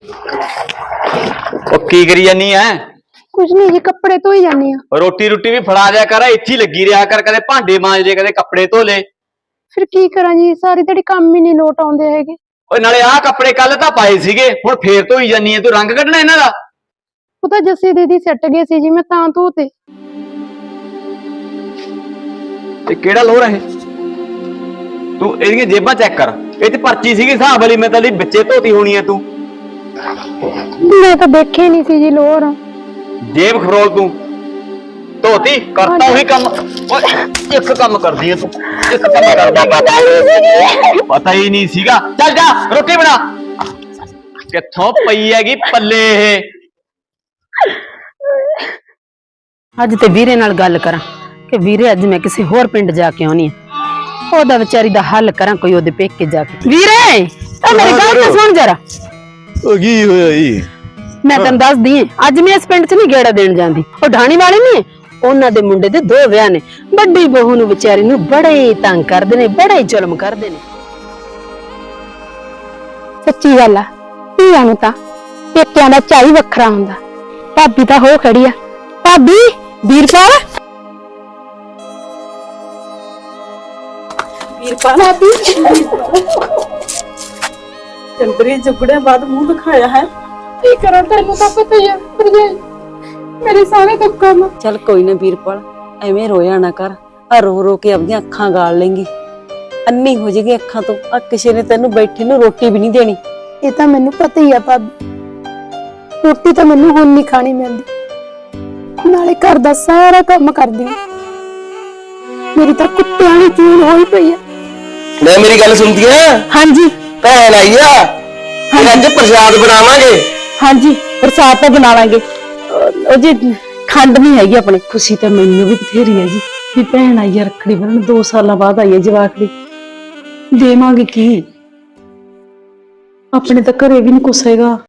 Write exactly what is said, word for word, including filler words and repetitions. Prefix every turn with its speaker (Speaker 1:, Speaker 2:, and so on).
Speaker 1: ਉਹ ਕੀ ਕਰੀ ਜਾਨੀ ਐ?
Speaker 2: कुछ नहीं जी, कपड़े धोई जानी आ।
Speaker 1: रोटी रूटी भी फड़ा दिया कर, इत्थे ही लगी रहा कर, कदे भांडे मांज ले कदे कपड़े धो ले।
Speaker 2: फिर की करा जी, सारी दिहाड़ी काम ही नहीं लोट आउंदे हैगे।
Speaker 1: ओए नाले आ कपड़े कल तां पाए सीगे, हुण फेर धोई जानी ऐ, तू रंग कढना इन्हां दा?
Speaker 2: ਉਹ ਤਾਂ ਜੱਸੀ ਦੀਦੀ ਸੱਟ ਗਏ ਸੀ ਜੀ, ਮੈਂ ਤਾਂ ਧੋਤੇ।
Speaker 1: ਤੇ ਕਿਹੜਾ ਲੋਰ ਹੈ? ਤੂੰ ਇਹਦੀਆਂ ਜੇਬਾਂ ਚੈੱਕ ਕਰ, ਇਹ ਤੇ ਪਰਚੀ ਸੀਗੀ ਹਿਸਾਬ ਵਾਲੀ, ਮੈਂ ਤਾਂ ਲਈ ਵਿੱਚੇ ਧੋਤੀ ਹੋਣੀ ਐ ਤੂੰ।
Speaker 2: ਮੈਂ ਤਾਂ ਦੇਖੇ ਨਹੀਂ ਸੀ ਜੀ ਲੋਰ।
Speaker 1: जेब खरोल तू धोती करता वही कम। एक कम कर दिए तू, एक कम कर दिया, पता ही नहीं सीगा। चल जा रोटी बना। कित्थों पई हैगी पल्ले ये।
Speaker 3: अज ते वीरे नाल गल करा कि वीरे अज मैं किसी होर पिंड जाके आनी है, ओदा बेचारी दा हल करा कोई ओदे पेके जाके। वीरे ओ मेरी गल तो सुन जरा।
Speaker 4: ओ की होया जी?
Speaker 3: मैं तेन दस दी अज मैं इस पिंड च नहीं गेड़ा देन जांदी। ओ ढाणी वाले नहीं उन्हां दे मुंडे दे दो विआह ने, बड़ी बहू नूं बेचारी नूं बड़े तंग करदे ने, बड़े जुल्म करदे ने।
Speaker 2: सच्ची गल आ, धीआं नूं तां पेकिआं दा चाई वखरा हुंदा। भाबी तां हो खड़ी आ। भाबी वीरपाल,
Speaker 5: वीरपाल भाबी चंदरी जुगड़े बाद मुंह दिखाया है।
Speaker 2: की करा, तैनूं तां पता ही आ भरजाई, मेरे सारे दुख काम।
Speaker 5: चल कोई ना वीरपाल, एवें रोया ना कर, आ रो रो के अपनी अखां गाल लेंगी, अन्नी हो जाएगी अखां तो। आ किसी ने तेनू बैठी नू रोटी भी नहीं देनी।
Speaker 2: ये तां मैनूं पता ही आ भाबी, रोटी तां मैनूं हुण नहीं खानी मिलदी, नाले घर दा सारा काम करदी आ। मेरी तां कुत्तिआं दी चून होई पई आ।
Speaker 4: मैं मेरी गल सुनदी है?
Speaker 2: हां जी
Speaker 4: भैन आई आ, फिर अज प्रसाद बनावांगे।
Speaker 5: हाँ जी प्रसाद तो बनावांगे, जी खंड नहीं हैगी अपने। खुशी तो मैनू भी बथेरी है जी, भी भैन आई है रखड़ी बन, दो साल बाद आई है जवाकड़ी, देवांगे की, अपने तो घरे भी नहीं कुछ हैगा।